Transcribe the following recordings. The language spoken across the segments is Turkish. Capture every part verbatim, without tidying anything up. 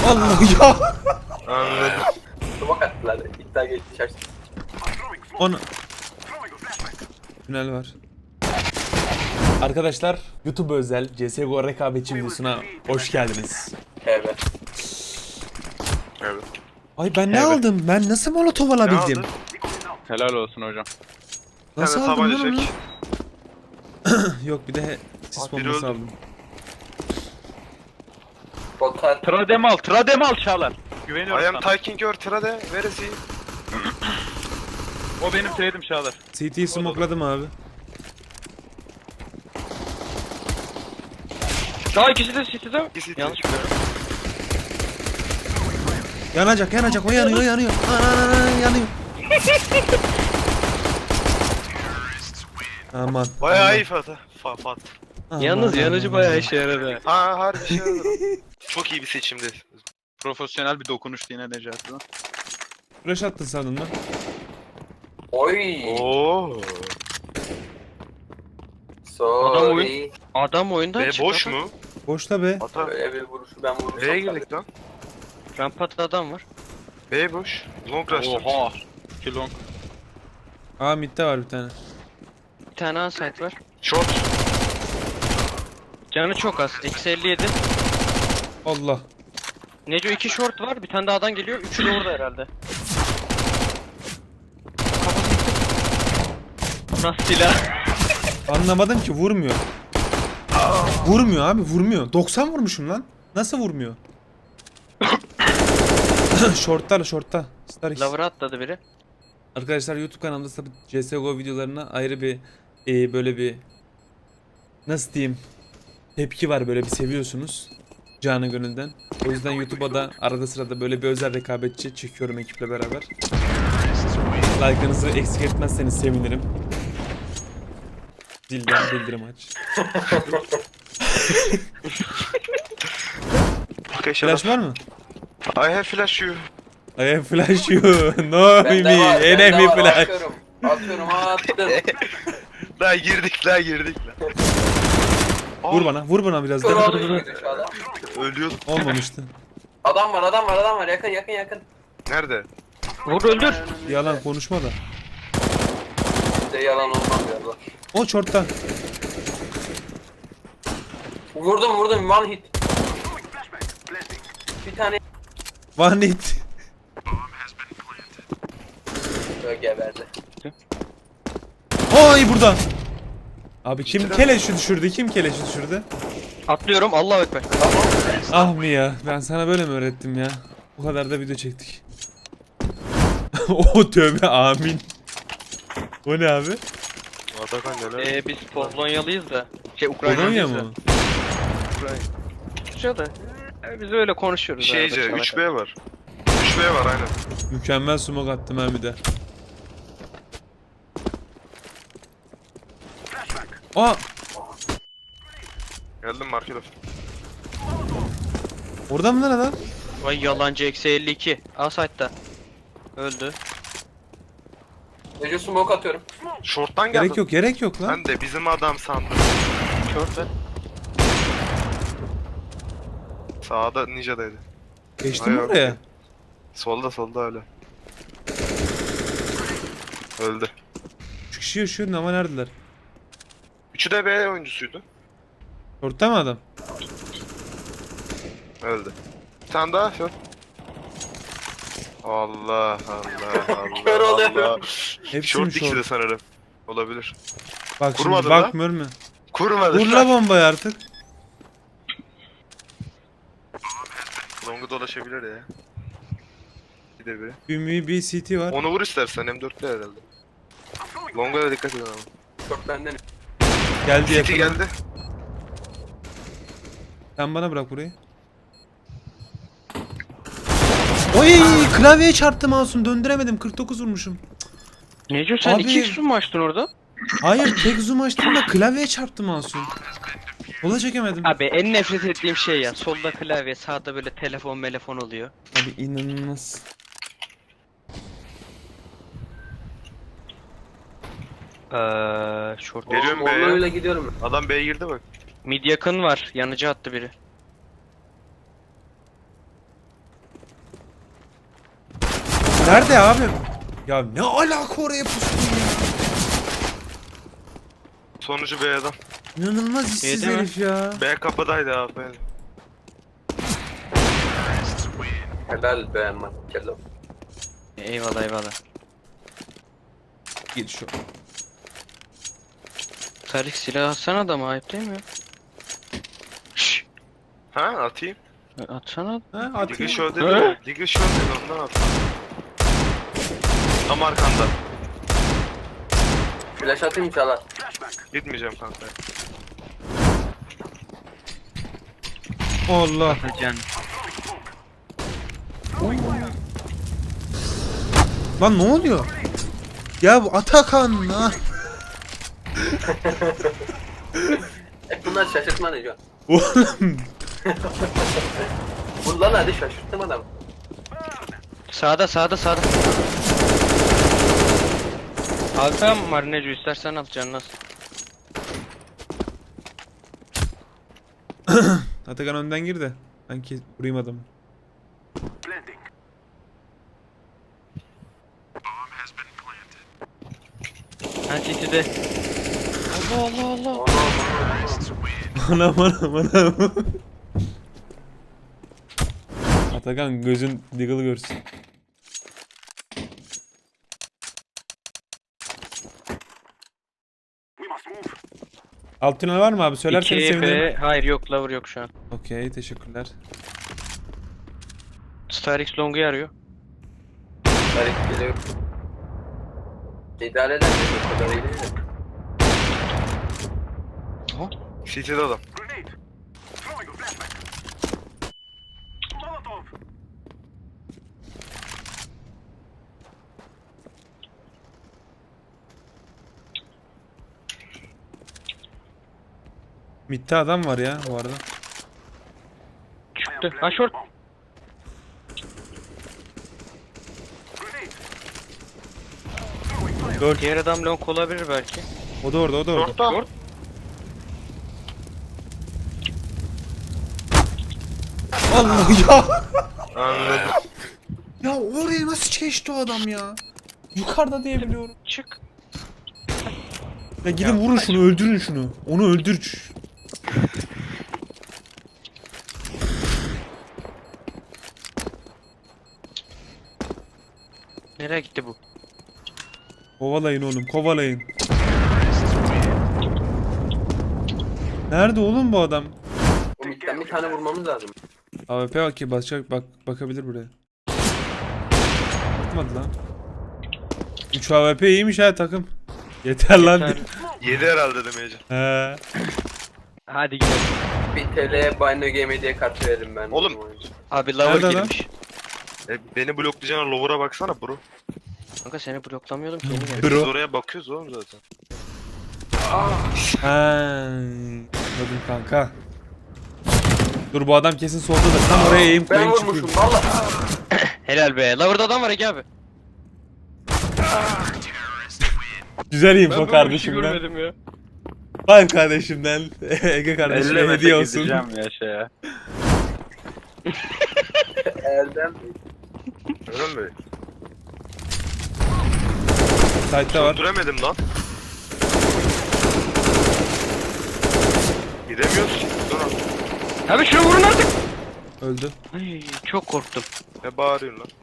Allah ya. Anladım. Smoke attılar. İddia geçersin. Onu. Tünel var. Arkadaşlar YouTube özel C S G O rekabetçi videosuna hoş geldiniz. Evet. Evet. Ay ben ne Evet. aldım? Ben nasıl molotof Ne alabildim? aldın? Helal olsun hocam. Nasıl Bir tane aldım lan tabanca onu? çek. Yok bir de sis Aa, biri bombası öldü. aldım. Botar. Trademal, Trademal Çağlar. Güveniyorum I am sana. taking your trade. Where is he? O benim trade'im Çağlar. C T'yi smokeladım abi. Daha ikisi de City'de. İkisi de. Yanlış biliyorum. Yanacak yanacak o yanıyor yanıyor. Ana ana ana yanıyor. Aman. Bayağı aman, iyi Fatih. Fa Fat. aman, Yalnız aman, yanıcı aman. bayağı işe yaradı. Ha harbi şey oldu. Çok iyi bir seçimdi. Profesyonel bir dokunuştu yine Necati'den. Flash attın sandın lan. Oy. Oo. Sorry. oyun- Adam oyundan Be çıktı. boş mu? Boşta be. Ata. Böyle bir vuruşu ben vurursam. B'ye girdik lan. Rampada adam var. B boş. Long rush. Oha. iki long. Aa midde var bir tane. Bir tane A site var. Short. Canı çok az. Eksi elli yedi. Allah. Neco iki short var. Bir tane daha adam geliyor. Üçü de orada herhalde. Kafası gitti. Nasıl silah? Anlamadım ki vurmuyor. Vurmuyor abi vurmuyor. doksan vurmuşum lan. Nasıl vurmuyor? Shortlar shortta. Star X. Lavra atladı biri. Arkadaşlar YouTube kanalımda tabii C S G O videolarına ayrı bir e, böyle bir nasıl diyeyim tepki var, böyle bir seviyorsunuz canı gönülden. O yüzden YouTube'a da arada sırada böyle bir özel rekabetçi çekiyorum ekiple beraber. Like'ınızı eksik etmezseniz sevinirim. Zilden bildirim aç. Arkadaşlar. Flash var mı? I have flash you. I have flash you. No Bende me. var. Bende Enemy var. flash. Atıyorum. Atıyorum attım. Daha girdik daha girdik lan. Vur bana, vur bana biraz Kör daha. oldu muydu şu adam? Ölüyordum. Olmamıştı. Adam var adam var adam var. Yakın yakın yakın. Nerede? Vur öldür. Yalan konuşma da. Bir de yalan olmaz galiba. O shortta. Vurdum vurdum one hit. Bir tane One hit. böyle geberdi. Oy burada. Abi kim keleşi düşürdü? Kim keleşi düşürdü? Atlıyorum. Allahu ekber. Tamam. Ah mı ya? Ben sana böyle mi öğrettim ya? Bu kadar da video çektik. O tövbe amin. O ne abi? Atakan neler? Ee, biz Polonyalıyız da. Şey Polonya Ukraynalıyız da. mı? Ukrayna. Türkçe de. Ee, biz öyle konuşuyoruz. Şeyce arada üç çalaka. B var. üç B var aynen. Mükemmel smoke attım ha bir de. Aa! Geldim market of. Orada mı lan adam? Vay yalancı eksi elli iki. A site'da. Öldü. Önce smoke atıyorum. Short'tan geldim. Gerek yok, gerek yok lan. Ben de bizim adam sandım. Short ver. Sağda Ninja'daydı. Geçtim Ay, oraya. okey. Solda solda öyle. Öldü. Üç kişi yaşıyor ama neredeler? Üçü de B oyuncusuydu. Shortta mı adam? Öldü. Bir tane daha short. Allah Allah Allah. Kör oluyorum. Allah. Hepsi mi Short ikisi de short? sanırım. Olabilir. Bak şimdi Kurmadın lan. bakmıyor mu? Kurmadı. Vur la bombayı artık. Long'u dolaşabilir ya. Bir de biri. Bir bir C T var. Onu vur istersen M dörtte herhalde. Long'a da dikkat edin ama. Çok benden. Geldi City yakına. geldi. Sen bana bırak burayı. Oy klavyeye çarptı mouse'um, döndüremedim, kırk dokuz vurmuşum. Neco sen Abi- iki x mi açtın orada? Hayır tek zoom açtım da klavyeye çarptı mouse'um. Kola çekemedim. Abi en nefret ettiğim şey ya. Solda klavye, sağda böyle telefon telefon oluyor. Abi inanılmaz. Eee short. Geliyorum B'ye. Onlarla gidiyorum. Adam B'ye girdi bak. Mid yakın var. Yanıcı attı biri. Nerede abi? Ya ne alaka oraya pustun ya? Sonucu B'den. İnanılmaz işsiz Yedi mi? herif ya. B kapıdaydı abi. Helal be Markello. Eyvallah eyvallah. Git şu. Tarık silah atsana da mı ayıp değil mi? Şşş. Ha atayım. Atsana. Ha Ligi atayım. show dedi He? ya. Ligi show dedi ondan at. Tam arkanda. Flash atayım çalar. Gitmeyeceğim kanka. Allah. Can. Lan ne oluyor? Ya bu Atakan lan. E bunlar şaşırtma ne Can? Oğlum. Bunlar hadi şaşırttım adamı. Sağda sağda sağda. Alsam Marinecu istersen al canına. Atakan önden gir de. Ben ki vurayım adamı. Ha City'de. Allah Allah Allah. Anam anam anam. Atakan gözün Deagle'ı görsün. Alt tünel var mı abi? Söylerseniz İki sevinirim. B. Hayır yok lover yok şu an. Okey teşekkürler. Star X Long'u arıyor. Garip geliyor. İdare eder mi? O kadar iyi değil de. City'de adam. Mid'de adam var ya bu arada. Çıktı. Ha short. Dört. Diğer adam long olabilir belki. O da orada o da orada. Orta. Short. Allah ya. Anladım. Ya oraya nasıl geçti o adam ya? Yukarıda diye biliyorum. Çık. Ya gidin vurun şunu öldürün şunu. Onu öldür. Nereye gitti bu? Kovalayın oğlum kovalayın. Nerede oğlum bu adam? O midden bir tane vurmamız lazım. A W P bak ki bakacak bak bakabilir buraya. Bakmadı lan. üç A W P iyiymiş ha takım. Yeter lan. Yeter. Yedi herhalde demeyeceğim. He. Hadi gidelim. Bir T L Bino Game diye kart verelim ben. Oğlum. Abi lover Nerede lan? girmiş. E, beni bloklayacağına lower'a baksana bro. Kanka seni bloklamıyordum ki yeni geldi. Bro. Biz oraya bakıyoruz oğlum zaten. Ha. Anladım kanka. Dur bu adam kesin soldadır. Tam oraya eğim Ben koyayım vurmuşum çıkıyorum. valla. Helal be. Lover'da adam var Ege abi. Güzel info Ben böyle bir şey kardeşimden. görmedim ya. Var kardeşimden. Ege kardeşime hediye olsun. ya şeye. Erdem. Öyle mi? Site'da var. Öldüremedim lan. Gidemiyoruz ki. Dur lan. Abi şunu vurun artık. Öldü. Ay, çok korktum. Ne bağırıyorsun lan?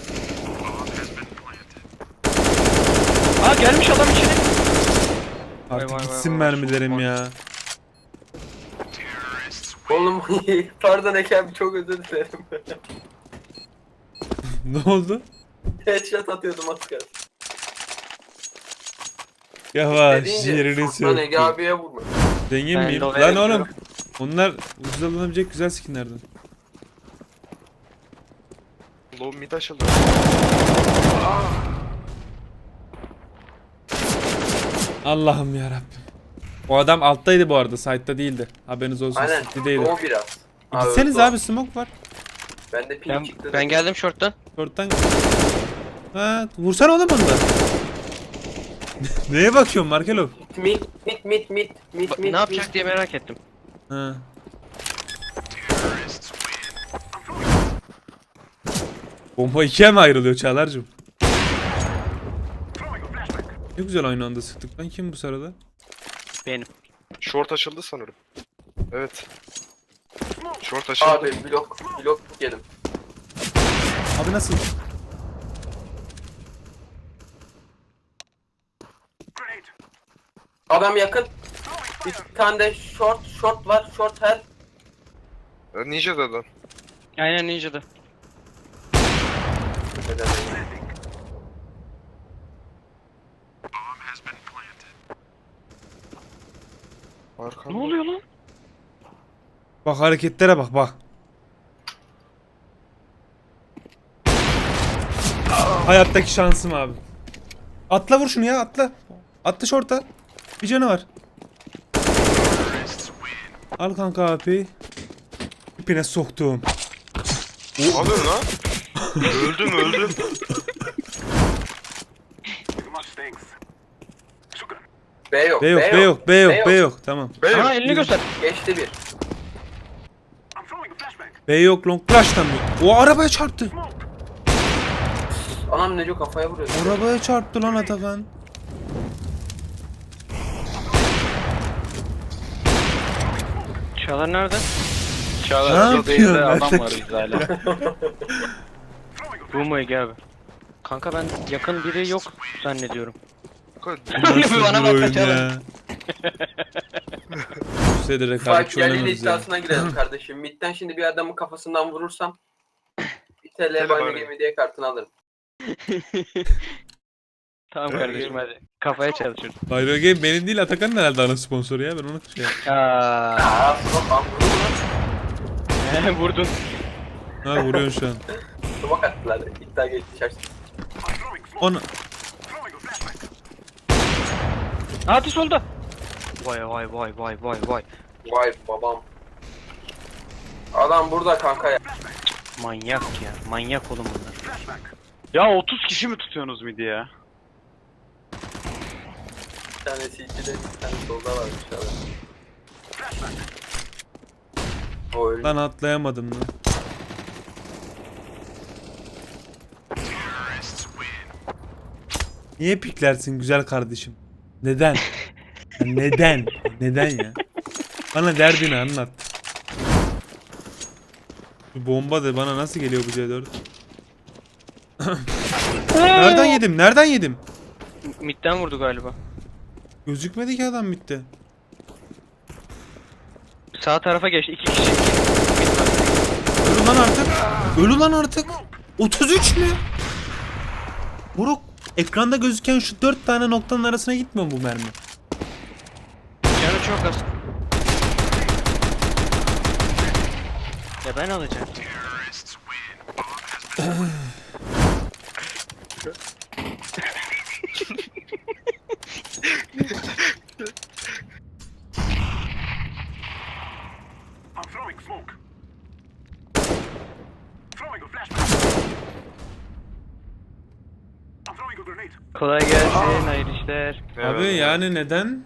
Aa gelmiş adam içeri. Artık vay vay gitsin vay, mermilerim çok ya. Oğlum pardon Eke abi çok özür dilerim. Ne oldu? Headshot atıyordum az kalsın. Yavaş Dediğince yerini Sultan Ege sür. abiye vurma. Zengin Ben miyim? Lova'ya Lan gidiyorum. oğlum. Onlar ucuz alınabilecek güzel skinlerden. Low mid açıldı. Allah'ım yarabbim. O adam alttaydı bu arada. Site'da değildi. Haberiniz olsun. Aynen. City'deydi. O biraz. E Gitseniz öldü o. abi smoke var. Ben de ping Ben, çıktı. ben geldim short'tan. Short'tan. Ha, vursana oğlum onu da. Neye bakıyorsun Markelo? Mid mid mid mid mid Ba- mid. ne yapacak diye merak ettim. Ha. Bomba ikiye mi ayrılıyor Çağlar'cığım? Ne güzel aynı anda sıktık lan, kim bu sırada? Benim. Short açıldı sanırım. Evet. Short açıldı. Abi blok blok yedim. Abi nasıl? Adam yakın. Bir tane de short short var. Short her. E, Ninja da. Aynen Ninja'da. Arkamda. Ne oluyor lan? Bak hareketlere bak bak. Hayattaki şansım abi. Atla vur şunu ya, atla. Atla şorta. Bir canı var. Al kanka abi. İpine soktum. Alın lan. öldüm öldüm. B yok. B yok, B yok, B yok, B yok. Tamam. Bey Ha elini göster. Geçti bir. B yok, long flash'tan bir. O arabaya çarptı. Anam Neco kafaya vuruyor. Arabaya çarptı lan Atakan. Çağlar nerede? Ne Çağlar yapıyorsun odayında lan? adam var bizde hala. Bu mu Ege abi? Kanka ben yakın biri yok zannediyorum. Nasıl Bana bir bak oyun kaçalım. ya? Bu sürede Fight rekabetçi yerli oynamıyoruz ya. iddiasına girelim kardeşim. Mid'den şimdi bir adamın kafasından vurursam bir T L Tele Bayna bana. Game diye kartını alırım. Tamam kardeşim hadi. Kafaya çalışıyoruz. Bayro Game benim değil, Atakan'ın herhalde ana sponsoru ya. Ben onu şey yaptım. Aa, Aa smoke lan vurdu mu lan? vurdun. Ha vuruyorsun şu an. Smoke attılar. İddia geçti şaştı. Onu. Hadi solda. Vay vay vay vay vay vay. Vay babam. Adam burada kanka ya. Manyak ya. Manyak oğlum bunlar. Ya otuz kişi mi tutuyorsunuz midi ya? Bir tane C T'de bir tane solda varmış abi. O öldü. Lan atlayamadım lan. Niye piklersin güzel kardeşim? Neden? Ya neden? Neden ya? Bana derdini anlat. Bu bomba da bana nasıl geliyor bu C dört? Nereden yedim? Nereden yedim? Midden vurdu galiba. Gözükmedi ki adam bitti. Sağ tarafa geçti. iki kişi. Ölü lan artık. Ölü lan artık. otuz üç mü? Buruk, ekranda gözüken şu dört tane noktanın arasına gitmiyor mu bu mermi? Canı çok az. Ya ben alacağım. Kolay gelsin, hayırlı işler. Abi yani neden?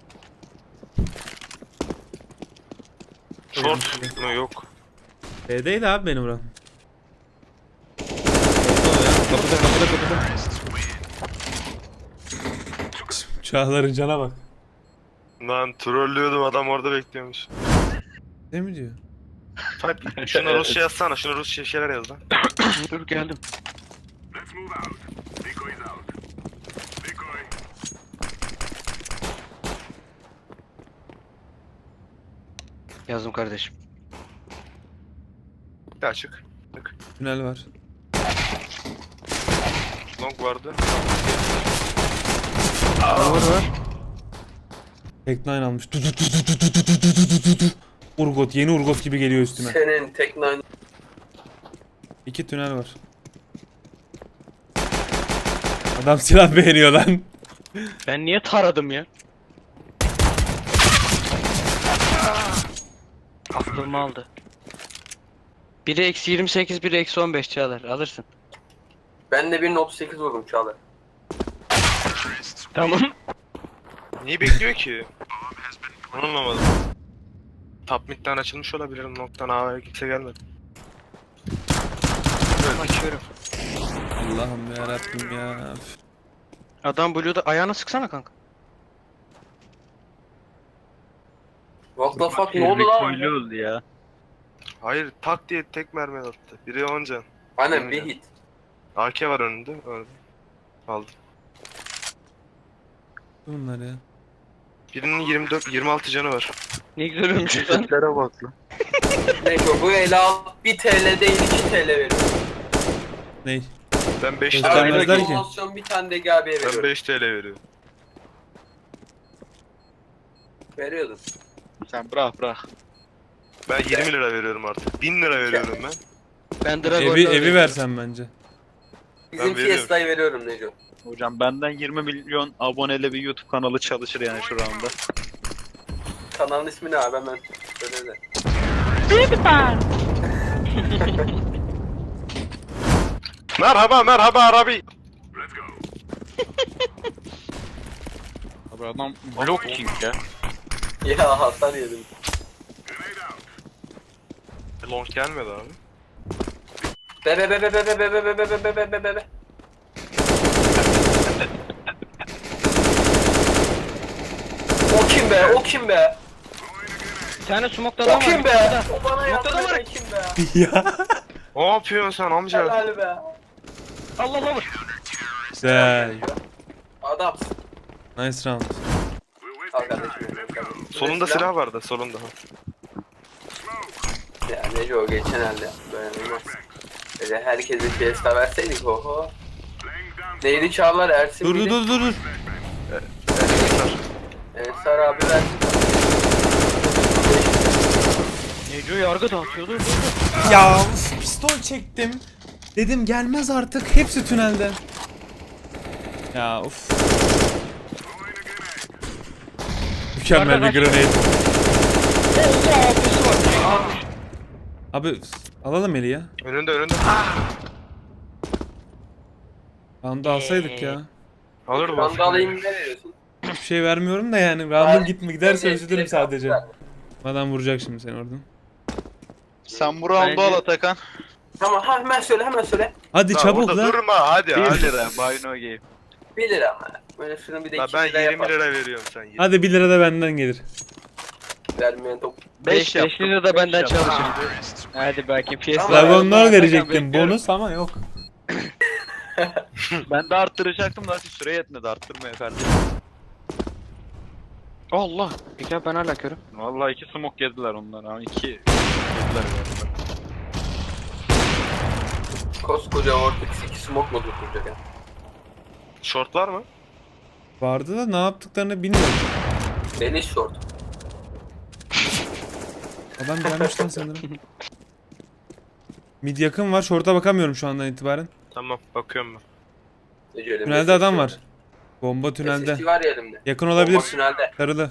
Short mu yok. B'deydi abi benim buram. Kapıda kapıda kapıda. Çağlar'ın cana bak. Lan trollüyordum, adam orada bekliyormuş. Ne mi diyor? Type şuna Rusça yazsana, şuna Rusça şeyler yaz lan. Dur geldim. Yazdım kardeşim. Bir daha çık. Çık. Tünel var. Long vardı. Var var. Tek nine almış. Du, du, du, du, du, du, du, du, du, du, du. Urgot, yeni Urgot gibi geliyor üstüme. Senin tek nine. İki tünel var. Adam silah beğeniyor lan. Ben niye taradım ya? Aklımı aldı. Biri eksi yirmi sekiz, biri eksi on beş Çağlar. Alırsın. Ben de bir otuz sekiz vurdum Çağlar. Tamam. Niye bekliyor ki? Anlamadım. Top mid'den açılmış olabilir, noktadan A'ya kimse gelmedi. Açıyorum. Allah'ım ya Rabbim ya. Adam Blue'da ayağına sıksana kanka. What the fuck ne oldu lan? Öyle oldu ya. Hayır tak diye tek mermi attı. Biri on can. Aynen bir hit. A K var önünde. Orada. Aldım. Bunlar ya. Birinin yirmi dört yirmi altı canı var. Ne güzel ölmüş lan. Tiplere bak lan. Neyse bu ele al bir T L değil iki T L veriyorum. Ney? Ben beş T L Göstermezler veriyorum. ki. Promosyon bir tane de G B'ye Ben veriyorum. beş T L veriyorum. Veriyordum. Sen bırak bırak. Ben yirmi lira veriyorum artık. bin lira veriyorum ben. Ben Dragon'da Evi evi alıyorum. versen bence. Bizim Ben veriyorum. Fiesta'yı veriyorum Neco. Hocam benden yirmi milyon aboneli bir YouTube kanalı çalışır yani şu anda. Kanalın ismi ne abi hemen söyle de. Merhaba merhaba Arabi. Abi adam blok king ya. Ya hasar yedim. Long gelmedi abi. Be be be be be be be be be be be be be be be. O kim be? O kim be? Bir tane smoke'da O adam var. kim be? Yukarıda. O bana yardım Noktada var. eden kim be? Ya. Ne yapıyorsun sen amca? Helal be. Allah Allah. Güzel. Adamsın. Nice round. Al kardeşim benim kardeşim. Solunda Silah- silah vardı solunda. Ya Neco geçen elde böyle olmaz. Böyle herkese Fiesta verseydik oho. Neydi Çağlar Ersin Dur dur miydi? dur dur. dur. Ensar abi versin. Neco yargı dağıtıyordu. Ya uf, pistol çektim. Dedim gelmez artık. Hepsi tünelde. Ya uf. Mükemmel bir grenade. Allah abisi var. Abi alalım eli ya. Önünde önünde. Round'u alsaydık ya. Alır mı? Randa alayım ne veriyorsun? Hiçbir şey vermiyorum da yani. Round'un gitme giderse Ben- üzülürüm sadece. Adam vuracak şimdi seni oradan. Sen bu round'u Bence- al Atakan. Tamam ha, hemen söyle hemen söyle. Hadi Lan çabuk orada lan. Durma hadi bir hadi. lira. Buy no game. bir lira ama. Böyle şunu bir de Lan iki ben lira yirmi yapalım. lira veriyorum sen yirmi. Hadi bir lira da benden gelir. Vermeyen top. beş Beş beş lira da benden çalışır. Hadi belki piyasa. Dragonlar verecektim bonus ama yok. Ben de arttıracaktım da süre yetmedi arttırma efendim. Allah. Peki ben hala körüm. Vallahi iki smoke yediler onlar ha. İki yediler galiba. Koskoca Vortex iki smoke mu tutacak ya? Short var mı? Vardı da ne yaptıklarını bilmiyorum. Deniz short. Adam gelmiş lan sanırım. Mid yakın var. Short'a bakamıyorum şu andan itibaren. Tamam bakıyorum ben. Neco, Tünelde adam var. Bomba tünelde. S S G var ya elimde. Yakın Bomba olabilir. tünelde. Sarılı.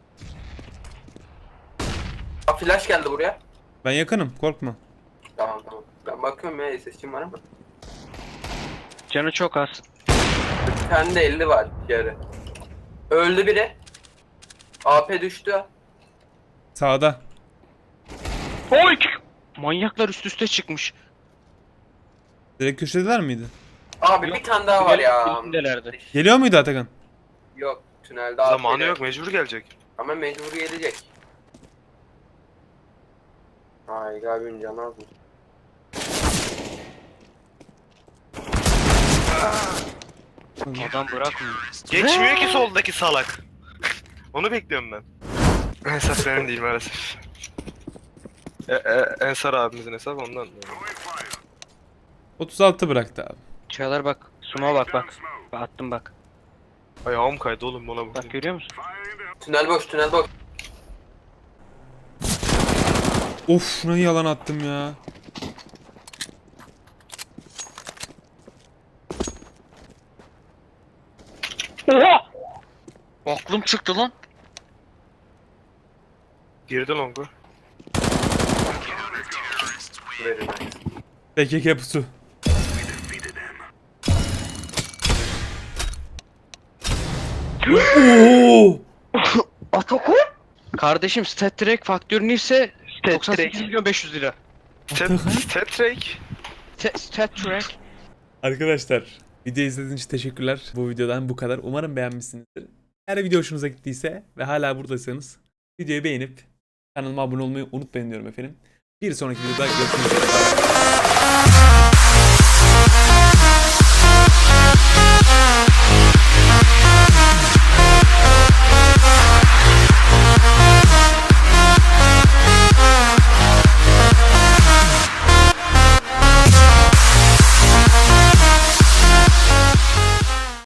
Ha, flash geldi buraya. Ben yakınım. Korkma. Tamam tamam. Ben bakıyorum ya S S G'm var ama. Canı çok az. Bir tane de elli var yarı. Öldü biri. A P düştü. Sağda. Oy! Manyaklar üst üste çıkmış. Direkt köşedeler miydi? Abi Yok, bir tane daha var ya. Bilindelerdi. Geliyor muydu Atakan? Yok tünelde A P Zamanı geldi. yok mecbur gelecek. Ama mecbur gelecek. Ay galiba canı az mı? Adam bırakmıyor. Geçmiyor ki soldaki salak. Onu bekliyorum ben. Hesap benim değil maalesef. E, e, Ensar abimizin hesabı ondan. otuz altı bıraktı abi. Çağlar bak. Suma bak bak. Bak attım bak. Ayağım kaydı oğlum buna Bak bak. görüyor musun? Tünel boş tünel boş. Of şuna yalan attım ya. Oha! Aklım çıktı lan. Girdi longu. Verin. P K K pusu. Oo! Ataku? Kardeşim Stat Trek faktörünü ise doksan sekiz milyon beş yüz lira. Stat, stat Drake. Te- Stat Trek. Arkadaşlar Video izlediğiniz için teşekkürler. Bu videodan bu kadar. Umarım beğenmişsinizdir. Eğer video hoşunuza gittiyse ve hala buradaysanız videoyu beğenip kanalıma abone olmayı unutmayın diyorum efendim. Bir sonraki videoda görüşmek üzere.